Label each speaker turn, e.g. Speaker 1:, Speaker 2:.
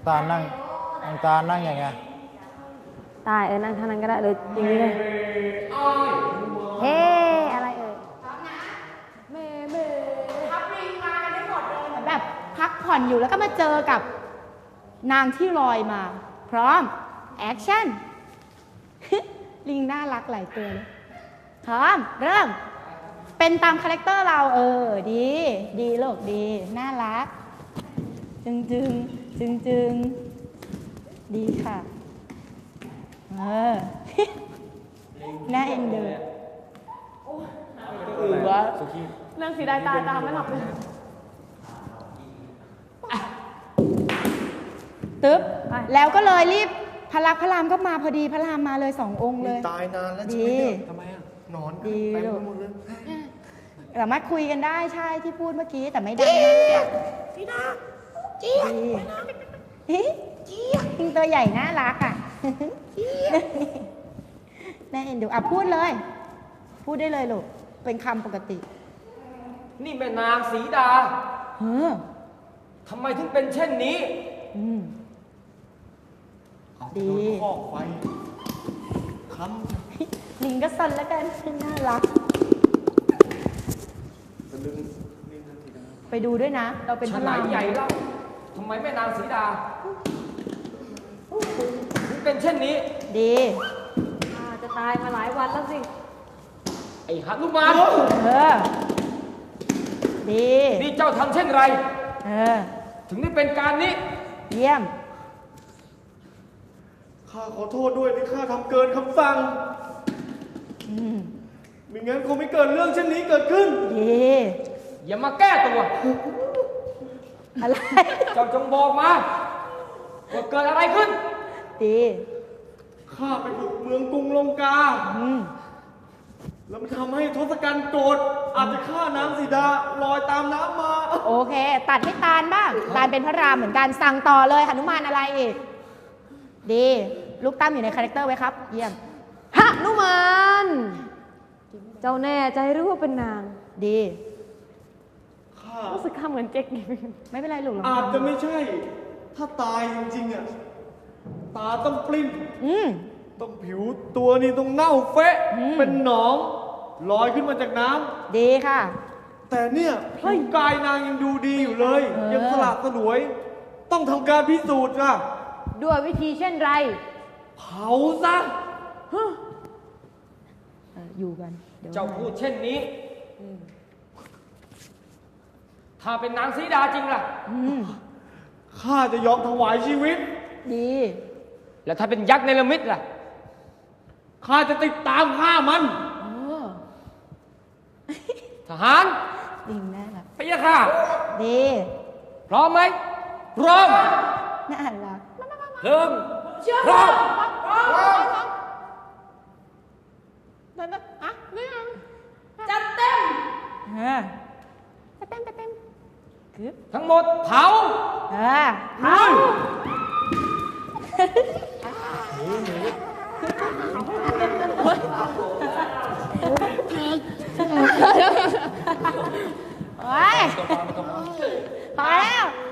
Speaker 1: ตาลนั่งน้องตาลนั่งยังไง
Speaker 2: ตายนั่งท่านั้นก็ได้เลยอย่างนี้เลยเฮ้อะไรเอ่ยเม
Speaker 3: ทับลิงมากันได้หมดเลยเหมือนแบบพักผ่อนอยู่แล้วก็มาเจอกับนางที่ลอยมาพร้อมแอคชั่น ลิงน่ารักหลายตัวเลยพร้อมเริ่มเป็นตามคาแรคเตอร์เราดีดีลูกดีน่ารักจึงดีค่ะน่าเอ็นดูวะ
Speaker 2: เรื่องสีได้ตาตามไม่หลับเลย
Speaker 3: ตึ๊บแล้วก็เลยรีบพระลักษมณ์พระรามก็มาพอดีพระรามมาเลย2 องค์เลย
Speaker 4: ตายนานแล้วใช่ไหมทำไมอ่ะนอน
Speaker 3: ดี
Speaker 4: ไป
Speaker 3: ลูก
Speaker 4: หมดเลย
Speaker 3: สามารถคุยกันได้ใช่ที่พูดเมื่อกี้แต่ไม่ดังพี่นาเจี๊ยบเจี๊ยบตัวใหญ่น่ารักอ่ะน่าเอ็นดูพูดเลยพูดได้เลยลูกเป็นคำปกติ
Speaker 5: นี่แม่นางสีดา
Speaker 3: ท
Speaker 5: ำไมถึงเป็นเช่นนี้
Speaker 3: ดี
Speaker 4: ข้อไฟ
Speaker 3: ลิงก็สันแล้วกันน่ารักไปดูด้วยนะเราเป็นพ
Speaker 5: ฉ
Speaker 3: ระ
Speaker 5: ลา
Speaker 3: รา
Speaker 5: ด
Speaker 3: ม
Speaker 5: ใหญ่เล่าทำไมแม่นางสีดาถึงเป็นเช่นนี้
Speaker 3: ดี
Speaker 2: จะตายมาหลายวันแล้วสิ
Speaker 5: ไอ้หนุมาน
Speaker 3: ดี
Speaker 5: นี่เจ้าทำเช่นไรถึงได้เป็นการนี้
Speaker 3: เยี่ยม
Speaker 4: ข้าขอโทษด้วยที่ข้าทำเกินคำสั่งไม่งั้นคงไม่เกิดเรื่องเช่นนี้เกิดขึ้น
Speaker 3: ดี
Speaker 5: อย่ามาแก้ตัว
Speaker 3: อะไร
Speaker 5: เจ้าจงบอกมาว่าเกิดอะไรขึ้น
Speaker 3: ดี
Speaker 4: ข้าไปบุกเมืองกรุงลงกาแล้วมันทำให้ทศกัณฐ์โกรธอาจจะฆ่านางสีดาลอยตามน้ำมา
Speaker 3: โอเคตัดให้ตาลบ้างตาลเป็นพระรามเหมือนกันสั่งต่อเลยหนุมานอะไรอีกดีลูกตั้มอยู่ในคาแรคเตอร์ไว้ครับเยี่ยม
Speaker 2: หนุมานเจ้าแน่ใจหรือว่าเป็นนาง
Speaker 3: ดี
Speaker 2: รู้สึกข้าเหมือนเจ๊ก
Speaker 3: ไม่เป็นไรลูก
Speaker 4: อาจจะไม่ใช่ถ้าตายจริงๆอ่ะตาต้องปลิ้นต้องผิวตัวนี่ต้องเน่าเฟะเป็นหนองลอยขึ้นมาจากน้
Speaker 3: ำดีค่ะ
Speaker 4: แต่เนี่ยผิวกายนางยังดูดีอยู่เลยยังสละสลวยต้องทำการพิสูจน์ค่ะ
Speaker 2: ด้วยวิธีเช่นไร
Speaker 4: เผาซะ
Speaker 3: อยู่กัน
Speaker 5: เจ้าพูดเช่นนี้ถ้าเป็นนางสีดาจริงล่ะ
Speaker 4: ข้าจะยอมถวายชีวิต
Speaker 3: ดี
Speaker 5: แล้วถ้าเป็นยักษ์เนรมิตล่ะ
Speaker 4: ข้าจะติดตามฆ่ามัน
Speaker 5: ทหาร
Speaker 3: ดีแน่ละ
Speaker 5: พะยะค่ะ
Speaker 3: ดี
Speaker 5: พร้อมไหมพร้อม
Speaker 3: น่ารัก
Speaker 5: เริ่มพร้อม
Speaker 3: จัดเต็มจัดเต็ม
Speaker 5: ทั้งหมดเผา
Speaker 3: เผาโอ้ยพอแล้ว